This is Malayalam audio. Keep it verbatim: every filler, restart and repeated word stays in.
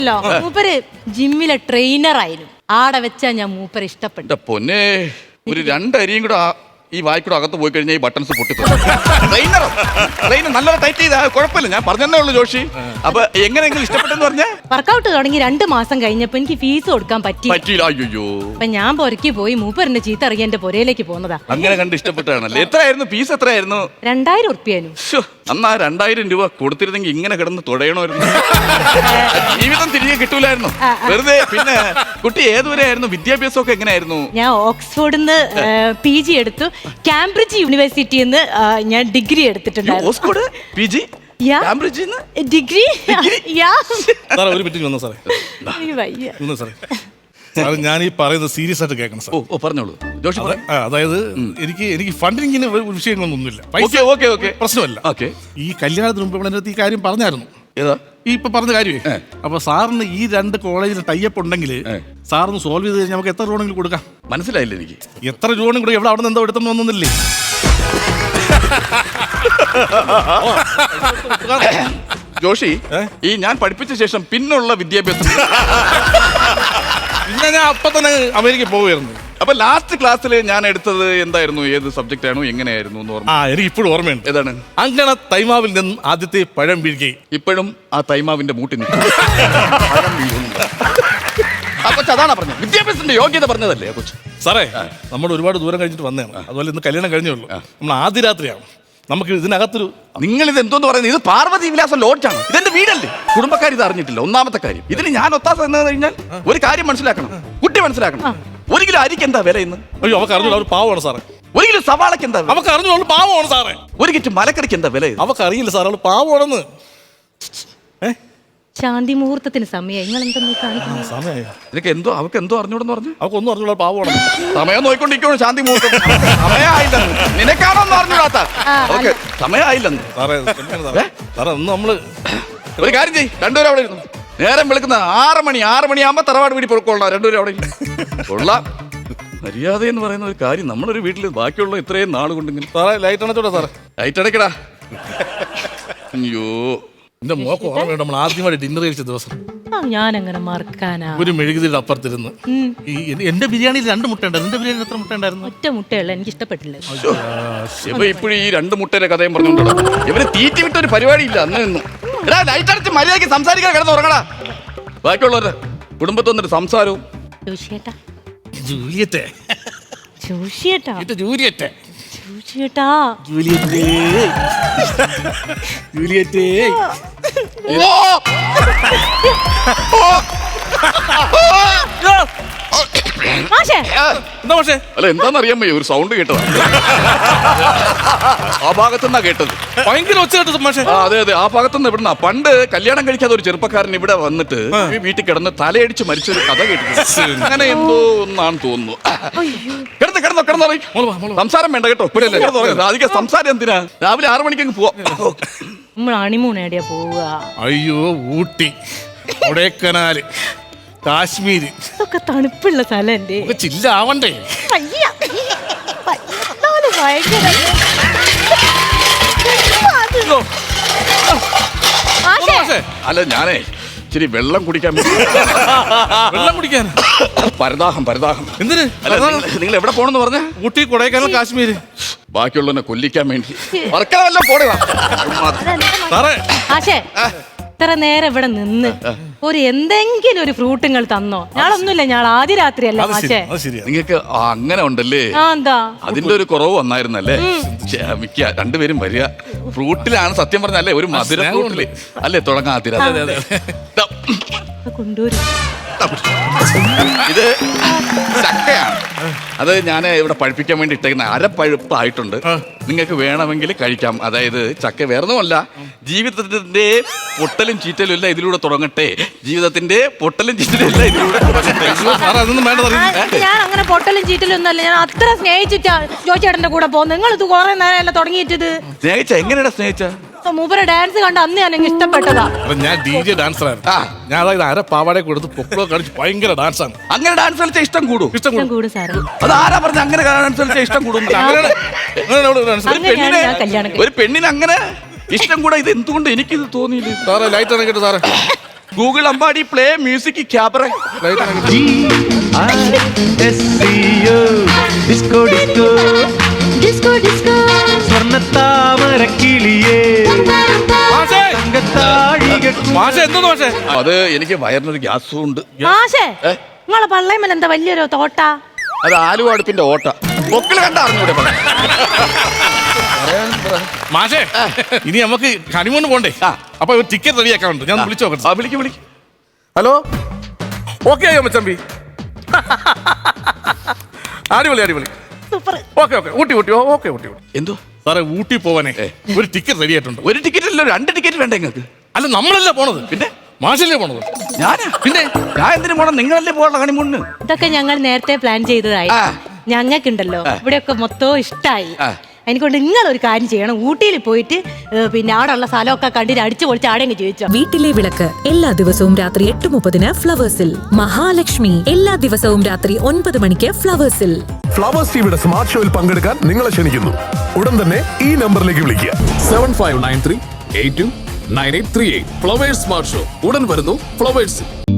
മൂപ്പര് ജിമ്മിലെ ട്രെയിനർ ആയിരുന്നു. ആടെ വെച്ചാ ഞാൻ മൂപ്പര് ഇഷ്ടപ്പെട്ടു. പൊന്നെ ഒരു രണ്ടരിയും കൂടെ ഈ വായിക്കൂടെ അകത്ത് പോയി കഴിഞ്ഞാൽ ഈ ബട്ടൺസ് പൊട്ടിത്തു. നല്ലോണം ടൈറ്റ് ചെയ്താ കുഴപ്പമില്ല, ഞാൻ പറഞ്ഞതേ ഉള്ളൂ ജോഷി. അപ്പൊ എങ്ങനെയെങ്കിലും ഇഷ്ടപ്പെട്ടെന്ന് പറഞ്ഞ വർക്കൗട്ട് തുടങ്ങി രണ്ടു മാസം കഴിഞ്ഞപ്പോ എനിക്ക് ഫീസ് കൊടുക്കാൻ പറ്റി പറ്റിയില്ല. അയ്യോ, അപ്പൊ ഞാൻ പൊരക്കി പോയി മൂപ്പറിന്റെ ചീത്ത ഇറങ്ങി എന്റെ പൊരയിലേക്ക് പോന്നതാ. അങ്ങനെ കണ്ട് ഇഷ്ടപ്പെട്ടാണല്ലേ. എത്രയായിരുന്നു ഫീസ്? എത്രയായിരുന്നു? രണ്ടായിരം ഉറുപ്പ്യാനും. അന്നാ രണ്ടായിരം രൂപ കൊടുത്തിരുന്നെങ്കിൽ ഇങ്ങനെ കിടന്ന് തുടയണമായിരുന്നു. ജീവിതം തിരികെ കിട്ടൂലായിരുന്നു വെറുതെ. പിന്നെ കുട്ടി ഏതുവരെ ആയിരുന്നു? വിദ്യാഭ്യാസം ഒക്കെ എങ്ങനെയായിരുന്നു? ഞാൻ ഓക്സ്ഫോർഡിന്ന് പി ജി എടുത്തു. കാംബ്രിഡ്ജ് യൂണിവേഴ്സിറ്റിയിൽ നിന്ന് ഞാൻ ഡിഗ്രി എടുത്തിട്ടുണ്ടായിരുന്നു. ഓക്സ്ഫോർഡ് പി ജി കാംബ്രിഡ്ജിൽ ഡിഗ്രി. ഒരു മിനിറ്റ് വന്നോ സാറേ. സാറേ ഞാൻ ഈ പറയുന്നത് സീരിയസ് ആയിട്ട് കേൾക്കണം സാർ. ഓ പറഞ്ഞോളൂ ജോഷി. അതായത് എനിക്ക് എനിക്ക് ഫണ്ടിങ്ങിന് വിഷയങ്ങളൊന്നുമില്ല, പ്രശ്നമല്ല. ഈ കല്യാണത്തിന് മുമ്പ് ഇവിടെ ഈ കാര്യം പറഞ്ഞായിരുന്നു. ഏതാ ഈ ഇപ്പൊ പറഞ്ഞ കാര്യമേ. അപ്പൊ സാറിന് ഈ രണ്ട് കോളേജിൽ ടൈപ്പ് ഉണ്ടെങ്കിൽ സാറിന് സോൾവ് ചെയ്ത് കഴിഞ്ഞാൽ നമുക്ക് എത്ര ലോണെങ്കിലും കൊടുക്കാം. മനസ്സിലായില്ല എനിക്ക്. എത്ര ലോണും കൂടെ എവിടെ അവിടെ നിന്ന് എന്തോ എടുത്തെന്ന് ഒന്നുമില്ലേ? ജോഷി, ഈ ഞാൻ പഠിപ്പിച്ച ശേഷം പിന്നുള്ള വിദ്യാഭ്യാസം പിന്നെ ഞാൻ അപ്പൊ തന്നെ അമേരിക്ക പോവുമായിരുന്നു. അപ്പൊ ലാസ്റ്റ് ക്ലാസ്സിൽ ഞാൻ എടുത്തത് എന്തായിരുന്നു? ഏത് സബ്ജക്റ്റ് ആണോ എങ്ങനെയായിരുന്നു എന്ന് ഓർമ്മ? ആ എനിക്ക് ഇപ്പോഴും ഓർമ്മയുണ്ട്. ഏതാണ്? അങ്ങനെ തൈമാവിൽ നിന്നും ആദ്യത്തെ പഴം വീഴുകയും ഇപ്പോഴും ആ തൈമാവിന്റെ മൂട്ടി നിൽക്കും. അപ്പൊ അതാണ് പറഞ്ഞത്, വിദ്യാഭ്യാസത്തിന്റെ യോഗ്യത പറഞ്ഞതല്ലേ കൊച്ചു. സാറേ നമ്മൾ ഒരുപാട് ദൂരം കഴിഞ്ഞിട്ട് വന്നതാണ്. അതുപോലെ ഇന്ന് കല്യാണം കഴിഞ്ഞേ ഉള്ളൂ. നമ്മൾ ആദ്യ രാത്രിയാണ്. നമുക്ക് ഇതിനകത്തൊരു നിങ്ങൾ ഇത് എന്തോന്ന് പറയുന്നത്? ഇത് പാർവതി വിലാസം ലോഡ്ജാണ്. ഇതെന്റെ വീടല്ലേ. കുടുംബക്കാർ ഇത് അറിഞ്ഞിട്ടില്ല. ഒന്നാമത്തെ കാര്യം. ഇതിന് ഞാൻ ഒത്താസ എന്ന് കഴിഞ്ഞാൽ ഒരു കാര്യം മനസ്സിലാക്കണം, കുട്ടി മനസ്സിലാക്കണം. ഒരു കിലോ അരിക്ക് എന്താ വില ഇന്ന്? അയ്യോ അവർക്ക് അറിഞ്ഞോളൂ, അവർ പാവമാണ് സാറേ. ഒരു കിലോ സവാളക്ക് എന്താ? അവർക്ക് അറിഞ്ഞോളൂ, പാവമാണ് സാറേ. ഒരു കിറ്റ് മലക്കറിക്ക് എന്താ വില? അവർക്ക് അറിയില്ല സാർ, അവൾ പാവമാണെന്ന്. ശാന്തി മുഹൂർത്തത്തിന് സമയം. നിങ്ങൾ എന്തെന്ന് കാണിക്കുന്നത്? സമയം ഇതൊക്കെ എന്തോ അവർക്ക് എന്തോ അറിഞ്ഞൂടെന്ന് പറഞ്ഞു. അവക്കൊന്നും അറിഞ്ഞോളൂ, പാവമാണെന്ന്. സമയം നോക്കിക്കൊണ്ടിരിക്കണോ ശാന്തി മുഹൂർത്തം? സമയമായില്ലെന്ന് നിനക്കാണോന്ന് അറിഞ്ഞൂടാത്ത. ഓക്കെ, സമയമായില്ലെന്ന്. സാറേ സാറേ ഒന്ന് നമ്മള് ഒരു കാര്യം ചെയ്യ്, രണ്ടുപേരും അവിടെ ഇരുന്നു. നേരം വിളിക്കുന്ന ആറ് മണി ആറ് മണിയാകുമ്പോ തറവാട് വീട്ടിൽ പൊക്കോളാം. രണ്ടുപേരും അവിടെ കൊള്ളാം. മര്യാദ എന്ന് പറയുന്ന ഒരു കാര്യം നമ്മളൊരു വീട്ടിൽ ബാക്കിയുള്ള ഇത്രയും നാള് കൊണ്ടെങ്കിൽ. സാറേ ലൈറ്റ് അണച്ചോടാ സാറേ. ലൈറ്റ് അടയ്ക്കടാ. അയ്യോ എന്റെ മോക്ക് ഓർമ്മയുണ്ട്, നമ്മൾ ആദ്യമായിട്ട് ഡിന്നർ കഴിച്ച ദിവസം. ഞാൻ അങ്ങനെ മറക്കാനാ? ഒരു മെഴുകുതിരിയുടെ അപ്പുറത്തിരുന്ന് എന്റെ ബിരിയാണിയിൽ രണ്ട് മുട്ട ഉണ്ടായിരുന്നു. എന്റെ ബിരിയാണി എത്ര മുട്ട ഉണ്ടായിരുന്നു? ഒറ്റ മുട്ടയുള്ള. എനിക്ക് ഇഷ്ടപ്പെട്ടില്ല. ഇവ ഇപ്പോഴും ഈ രണ്ട് മുട്ടയുടെ കഥയും പറഞ്ഞോണ്ടോ. ഇവന് തീറ്റി വിട്ട ഒരു പരിപാടി ഇല്ല അന്ന് നിന്നും. എടാ ലൈറ്റ് അടച്ച് മര്യാദയ്ക്ക് സംസാരിക്കാൻ കിടന്ന് ഉറങ്ങടാ. ബാക്കിയുള്ളവരുടെ കുടുംബത്തൊന്നൊരു സംസാരവും. ജോഷിയേട്ടാ ജൂലിയറ്റെ ജോഷിയേട്ടാ ജൂലിയറ്റെ ജോഷിയേട്ടാ ജൂലിയറ്റെ ജൂലിയറ്റെ എന്താ പക്ഷേ അല്ല എന്താന്നറിയാൻ വയ്യ, ഒരു സൗണ്ട് കേട്ടതാ. ആ ഭാഗത്തുനിന്നാ കേട്ടത്. ഭയങ്കര ഒച്ച കേട്ടത് മാഷേ. അതെ അതെ, ആ ഭാഗത്തുനിന്ന് ഇവിടുന്ന. പണ്ട് കല്യാണം കഴിക്കാതെ ഒരു ചെറുപ്പക്കാരൻ ഇവിടെ വന്നിട്ട് വീട്ടിൽ കിടന്ന് തലയടിച്ച് മരിച്ചൊരു കഥ കേട്ടിട്ടുണ്ട്. അങ്ങനെ എന്തോ ഒന്നാണ് തോന്നുന്നു. കിടന്ന് കിടന്നോ കിടന്നോ സംസാരം വേണ്ട കേട്ടോ. ഇപ്പോഴല്ലേ അധികം സംസാരം എന്തിനാ? രാവിലെ ആറു മണിക്കങ്ങ് പോവാ. നമ്മൾ ഹണിമൂൺ എവിടെയാ പോവുക? അയ്യോ ഊട്ടി, കൊടൈക്കനാല്, കാശ്മീര്. ഇതൊക്കെ തണുപ്പുള്ള സ്ഥലം. ചില്ലാവണ്ടേ? അല്ല ഞാനേ ഇച്ചിരി വെള്ളം കുടിക്കാൻ. വെള്ളം കുടിക്കാൻ പരദാഹം പരദാഹം. എന്തിന്? നിങ്ങൾ എവിടെ പോണെന്ന് പറഞ്ഞ? ഊട്ടി, കൊടൈക്കനാൽ, കാശ്മീര്. ബാക്കിയുള്ളവനെ കൊല്ലിക്കാൻ വേണ്ടി വർക്കവെല്ലാം പോടുക. ഇത്ര നേരം ഇവിടെ നിന്ന് ഒരു എന്തെങ്കിലും ഒരു ഫ്രൂട്ടുകൾ തന്നോ? ഞാളൊന്നുമില്ല, ഞാൻ ആദ്യ രാത്രിയല്ല മാഷേ. നിങ്ങൾക്ക് അങ്ങനെ ഉണ്ടല്ലേ? എന്താ അതിന്റെ ഒരു കുറവ് വന്നായിരുന്നല്ലേ? ക്ഷമിക്ക, രണ്ടുപേരും വരിക. ഫ്രൂട്ടിലാണ് സത്യം പറഞ്ഞല്ലേ, ഒരു മധുര ഫ്രൂട്ടില് അല്ലേ തുടങ്ങാൻ ആദ്യ കൊണ്ടുവരും. ഇത് ചക്കയാണ്. അത് ഞാൻ ഇവിടെ പഴുപ്പിക്കാൻ വേണ്ടി ഇട്ടേക്കുന്ന അരപ്പഴുപ്പായിട്ടുണ്ട്. നിങ്ങൾക്ക് വേണമെങ്കിൽ കഴിക്കാം. അതായത് ചക്ക വേറൊന്നുമല്ല, ജീവിതത്തിന്റെ പൊട്ടലും ചീറ്റലും ഇല്ല ഇതിലൂടെ തുടങ്ങട്ടെ. ജീവിതത്തിന്റെ പൊട്ടലും ചീറ്റലും ഇല്ല ഇതിലൂടെ തുടങ്ങട്ടെ. ഞാൻ അങ്ങനെ പൊട്ടലും ചീറ്റലും ഒന്നല്ല. ഞാൻ അത്ര സ്നേഹിച്ചിട്ടാ ജോയിച്ചേട്ടന്റെ കൂടെ പോകുന്നത്. നിങ്ങൾ ഇത് കുറെ നേരം തുടങ്ങിയിട്ടത്. സ്നേഹിച്ച എങ്ങനെയാ സ്നേഹിച്ച? മൂപ്പരെ ഡാൻസ് കണ്ട് അന്ന് ഞാൻ ഇഷ്ടപ്പെട്ടതാ. ഞാൻ ഡി ജെ ഡാൻസറായിരുന്നു. ഞാൻ അതായത് അര പാവാടെ കൊടുത്ത് പൊക്കളോ കളിച്ച് ഭയങ്കര ഡാൻസ് ആണ്. അങ്ങനെ ഡാൻസ് കളിച്ചാൽ ഇഷ്ടം കൂടും. ഇഷ്ടം കൂടും സാറേ. അത് ആരാ പറഞ്ഞ അങ്ങനെ ഡാൻസ് കളിച്ചാൽ ഇഷ്ടം കൂടും? ഒരു പെണ്ണിന് അങ്ങനെ ഇഷ്ടം കൂടെ ഇത് എന്തുകൊണ്ട് എനിക്കിത് തോന്നിയില്ല? സാറേ ലൈറ്റ് അണക്കിട്ട് സാറേ. Google Ambadi play music cabaret. Disco disco disco disco സ്വർണ്ണത്താമരക്കിളിയേ അത് എനിക്ക് വയറിനൊരു ഗ്യാസും ഉണ്ട്. മാഷേ നിങ്ങളെ പള്ളയമല്ല എന്താ വലിയൊരു തോട്ട? അത് ആലുവ അടുപ്പിന്റെ ഓട്ട. പൊക്കിള് കണ്ട അറിഞ്ഞൂടെ? മാഷേ ഇനി നമുക്ക് ഹണിമൂണ് പോണ്ടേ? അപ്പൊ ടിക്കറ്റ് റെഡിയാക്കാറുണ്ട്, ഞാൻ വിളിച്ചു നോക്കട്ടെ. വിളിക്ക് വിളിക്ക്. ഹലോ, ഓക്കെ ആയോ മച്ചമ്പി? അടിപൊളി അടിപൊളി. Super. Okay okay Ooty Ooty okay Ooty Ooty. എന്തോ സാറേ ഊട്ടി പോവാനേ ഒരു ടിക്കറ്റ് റെഡി ആയിട്ടുണ്ട്. ഒരു ടിക്കറ്റ് അല്ലോ, രണ്ട് ടിക്കറ്റ് വേണ്ട നിങ്ങൾക്ക്? അല്ല നമ്മളല്ല പോണത്, പിന്നെ മാഷല്ലേ പോണത്. ഞാനാ? പിന്നെ ഞാൻ എന്തിനു പോണം? നിങ്ങളല്ലേ പോകണം ഹണിമൂണിന്. ഇതൊക്കെ ഞങ്ങൾ നേരത്തെ പ്ലാൻ ചെയ്തതായി. ആ. ഞങ്ങൾക്കുണ്ടല്ലോ ഇവിടെയൊക്കെ മൊത്തവും ഇഷ്ടമായി. ആ. അതിനെക്കൊണ്ട് നിങ്ങൾ ഒരു കാര്യം ചെയ്യണം, ഊട്ടിയിൽ പോയിട്ട് ഏ, പിന്നെ അവിടെ ഉള്ള സ്ഥലമൊക്കെ കണ്ടിട്ട് അടിച്ചു പൊളിച്ച് ആടെങ്കിൽ ചോദിച്ചോ. വീട്ടിലെ വിളക്ക് എല്ലാ ദിവസവും രാത്രി എട്ട് മുപ്പതിന് ഫ്ലവേഴ്സിൽ. മഹാലക്ഷ്മി എല്ലാ ദിവസവും രാത്രി ഒൻപത് മണിക്ക് ഫ്ലവേഴ്സിൽ. ഫ്ലവേഴ്സ് ടിവിയുടെ സ്മാർട്ട് ഷോയിൽ പങ്കെടുക്കാൻ നിങ്ങളെ ക്ഷണിക്കുന്നു. ഉടൻ തന്നെ ഈ നമ്പറിലേക്ക് വിളിക്കുക. Seven five nine three eight two nine eight three eight. Flowers smart show ഉടൻ വരുന്നു ഫ്ലവേഴ്സ്.